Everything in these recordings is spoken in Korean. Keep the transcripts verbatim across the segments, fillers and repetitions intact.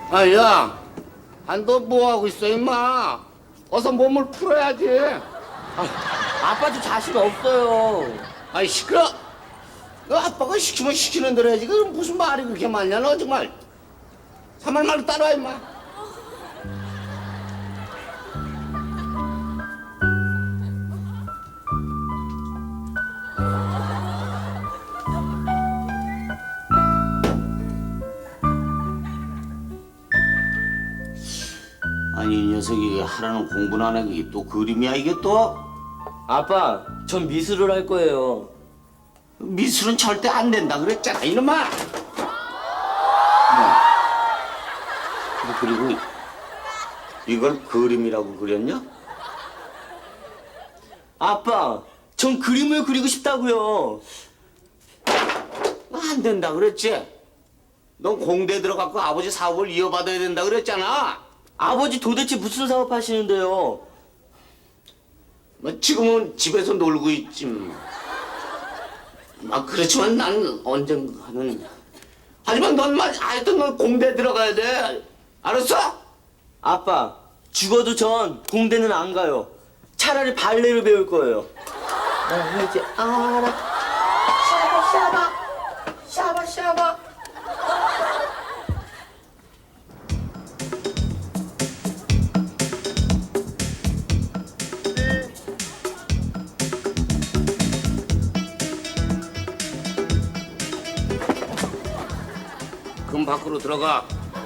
아, 야, 아, 너 뭐 하고 있어, 임마? 어서 몸을 풀어야지. 아빠도 자신 없어요. 아이, 시끄러. 너 아빠가 시키면 시키는 대로 해야지. 그 무슨 말이 그렇게 많냐, 너 정말. 삼말 말로 따라와, 임마. 아니, 이 녀석이 하라는 공부는 안 해. 그게 또 그림이야, 이게 또? 아빠, 전 미술을 할 거예요. 미술은 절대 안 된다 그랬잖아, 이놈아. 뭐. 그리고 이걸 그림이라고 그렸냐? 아빠, 전 그림을 그리고 싶다고요. 안 된다 그랬지? 넌 공대 들어가고 아버지 사업을 이어받아야 된다 그랬잖아. 아버지 도대체 무슨 사업 하시는데요? 뭐 지금은 집에서 놀고 있지. 뭐. 아, 그렇지만 난 언젠가는. 하지만 넌만 하여튼 넌 공대 들어가야 돼. 알았어? 아빠, 죽어도 전 공대는 안 가요. 차라리 발레를 배울 거예요. 나 이제 알아. 샤바 샤바 샤바 샤바. 금 밖으로 들어가.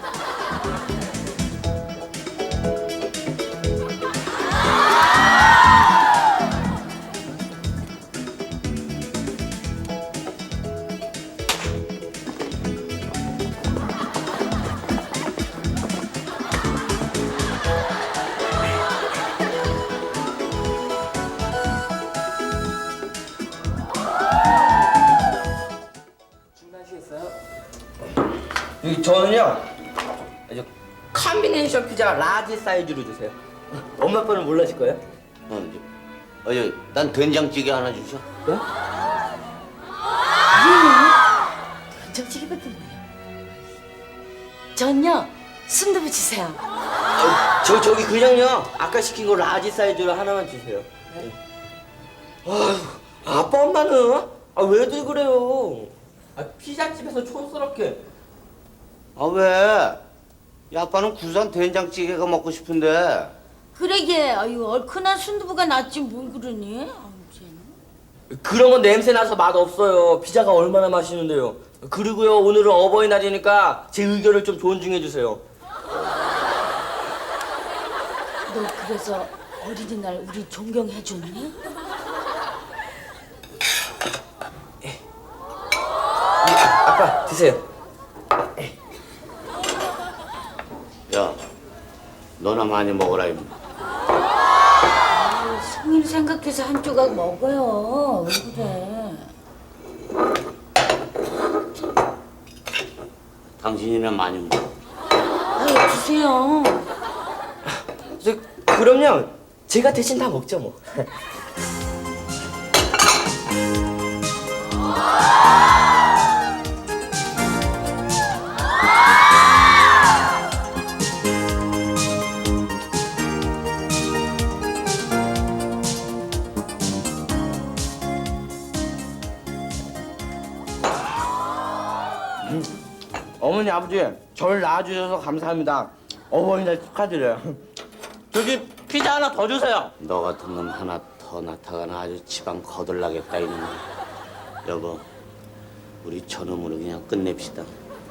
준비하시겠어요? 여기 저는요, 아주 컨비네이션 피자 라지 사이즈로 주세요. 엄마 아빠는 몰라실 거예요? 어, 이제. 어, 예, 난 된장찌개 하나 주셔. 네? 된장찌개밖에 뭐예요? 전요 순두부 주세요. 아, 저 저기 그냥요, 아까 시킨 거 라지 사이즈로 하나만 주세요. 네. 아휴, 아빠 엄마는 아 왜들 그래요? 아 피자집에서 촌스럽게. 아, 왜? 이 아빠는 구수한 된장찌개가 먹고 싶은데. 그러게 아유 얼큰한 순두부가 낫지 뭘 그러니? 아유, 쟤는. 그런 건 냄새 나서 맛 없어요. 피자가 얼마나 맛있는데요. 그리고요, 오늘은 어버이날이니까 제 의견을 좀 존중해 주세요. 너 그래서 어린이날 우리 존경해 줬니? 아빠 드세요. 야, 너나 많이 먹어라, 임마. 아유, 성인 생각해서 한 조각 먹어요. 왜 그래? 당신이나 많이 먹어. 아유 주세요. 저, 그럼요, 제가 대신 다 먹죠 뭐. 어머니 아버지, 저를 낳아주셔서 감사합니다. 어버이날 축하드려요. 저기 피자 하나 더 주세요. 너 같은 놈 하나 더 나타가나 아주 지방 거들나겠다, 이놈. 여보, 우리 저놈으로 그냥 끝냅시다.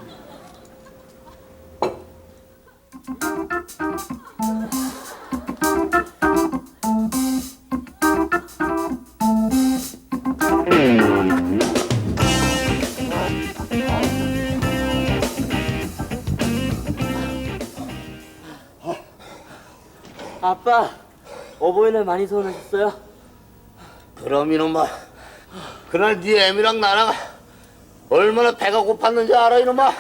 아빠, 어버이날 많이 서운하셨어요? 그럼 이놈아, 그날 네 애미랑 나랑 얼마나 배가 고팠는지 알아, 이놈아?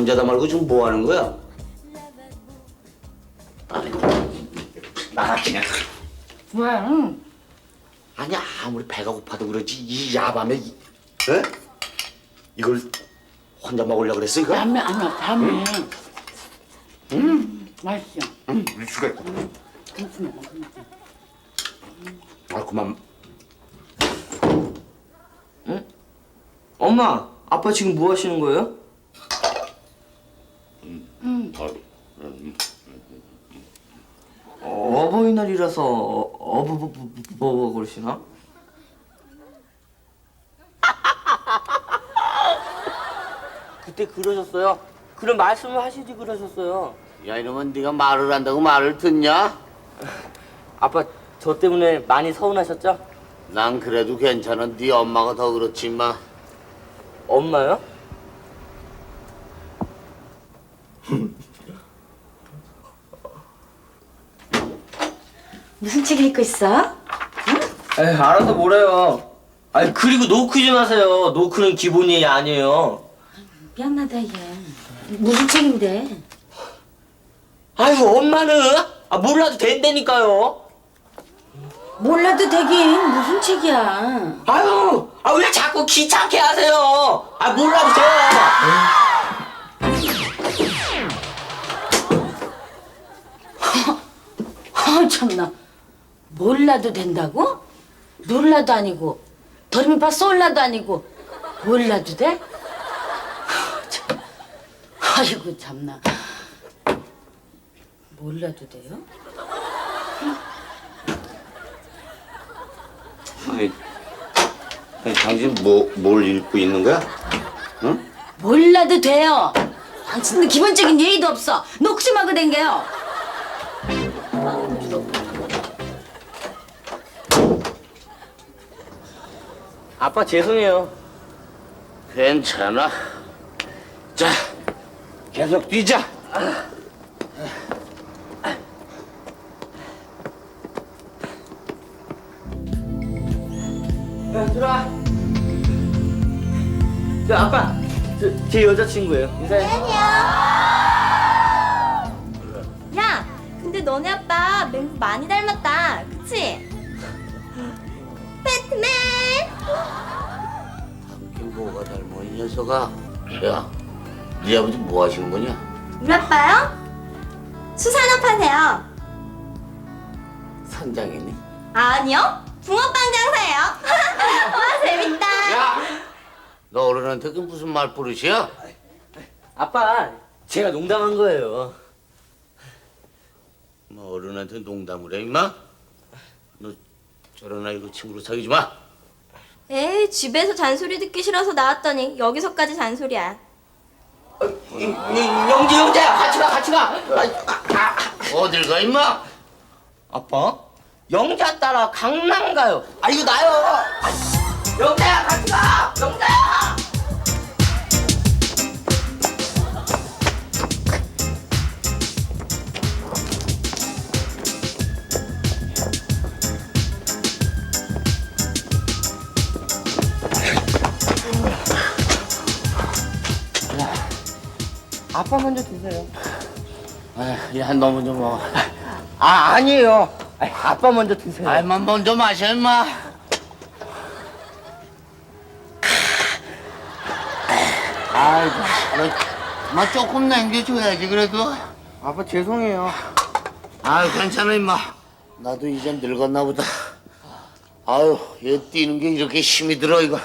혼자다 말고 지금 뭐 하는 거야? 아니, 나가 그냥. 왜? 아니 아무리 배가 고파도 그렇지 이 야밤에 이, 에? 이걸 혼자 먹으려고 그랬어 이거? 밤에 아니야 밤에. 음, 맛있어. 응, 수가 있고. 김치 먹어. 아 그만. 엄마, 아빠 지금 뭐 하시는 거예요? 어, 어버이날이라서 어버버버버 그러시나? 그때 그러셨어요? 그런 말씀을 하시지 그러셨어요. 야 이놈은 네가 말을 한다고 말을 듣냐? 아빠 저 때문에 많이 서운하셨죠? 난 그래도 괜찮아. 네 엄마가 더 그렇지 마. 엄마요? 무슨 책 읽고 있어? 에이, 알아서 뭐래요. 아니 그리고 노크 좀 하세요. 노크는 기본이 아니에요. 미안하다 얘. 무슨 책인데? 아유 엄마는 아 몰라도 된다니까요. 몰라도 되긴 무슨 책이야? 아유 아 왜 자꾸 귀찮게 하세요. 아 몰라도 돼요. 아 참나. 몰라도 된다고? 놀라도 아니고 더미파 쏠라도 아니고 몰라도 돼? 아, 참. 아이고 참나. 몰라도 돼요? 아니, 아니 당신 뭐 뭘 읽고 있는 거야? 응? 몰라도 돼요. 당신도 기본적인 예의도 없어. 녹심하고 댕겨요. 아빠 죄송해요. 괜찮아. 자, 계속 뛰자. 야 들어와. 저 아빠 저, 제 여자친구예요. 인사해. 야, 근데 너네 아빠 맹구 많이 닮았다. 그치? 배트맨! 이게 뭐가 닮아 이 녀석아. 야, 네 아버지 뭐 하시는 거냐? 우리 아빠요? 수산업 하세요. 선장이니? 아니요, 붕어빵 장사예요. 와, 재밌다. 야, 너 어른한테 그 무슨 말버릇이야? 아빠 제가 농담한 거예요. 뭐 어른한테 농담을 해 임마? 너 저런 아이고 친구로 사귀지 마. 에이, 집에서 잔소리 듣기 싫어서 나왔더니 여기서까지 잔소리야. 어, 이- 이- 영재 영재야 같이 가 같이 가. 아, 어딜 가 임마? 아빠? 영자 따라 강남 가요. 아 이거 나요. 영자야 같이 가. 영자야. 아빠 먼저 드세요. 아, 야, 너 먼저 먹어. 아 아니에요. 아이, 아빠 먼저 드세요. 아이만 먼저 마셔 임마. 아이고, 너, 마 조금 남겨줘야지 그래도. 아빠 죄송해요. 아유 괜찮아 임마. 나도 이젠 늙었나 보다. 아유 얘 뛰는 게 이렇게 힘이 들어 이거.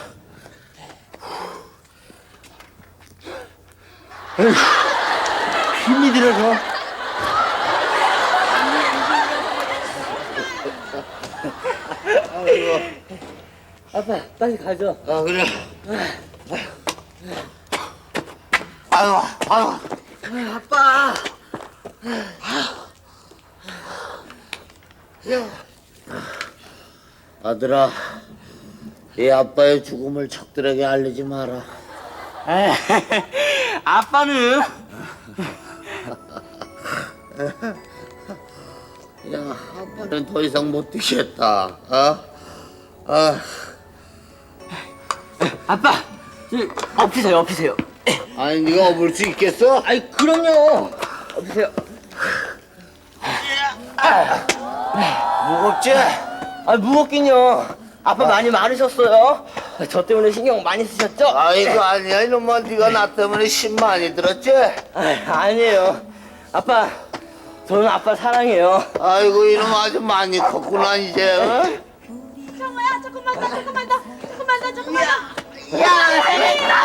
힘이 들어서. 아빠 빨리 가죠. 아 그래. 아유 아유. 아빠. 아들아, 이 아빠의 죽음을 척들에게 알리지 마라. 아빠는 야, 아빠는 더 이상 못 뛰겠다. 어? 아, 아빠 저, 엎으세요 엎으세요. 아니 네가 업을 수 있겠어? 아이 그럼요. 보세요. 무겁지? 아 무겁긴요. 아빠 많이 마르셨어요. 저 때문에 신경 많이 쓰셨죠? 아이고 아니야 이놈아 네가 나 때문에 심 많이 들었지? 아, 아니에요. 아빠, 저는 아빠 사랑해요. 아이고 이놈 아주 많이 컸구나 이제 어? 정우야, 조금만 더, 조금만 더, 조금만 더, 조금만 더. 야 해냈다!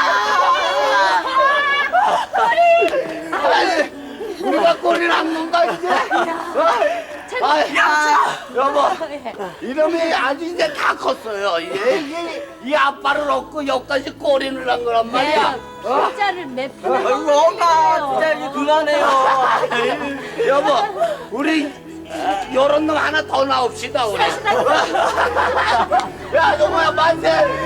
아니 우리가 꼬리를 안 건가 이제? 어? 아이, 여보 이놈이 아주 이제 다 컸어요 이제 이게 이 아빠를 얻고 여기까지 꼬리를 한 거란 말이야 어? 진짜를 몇 아이고, 번. 엄마, 진짜 이제 그만해요. 여보 우리 요런 놈 하나 더 나옵시다 우리 야 너 뭐야 만세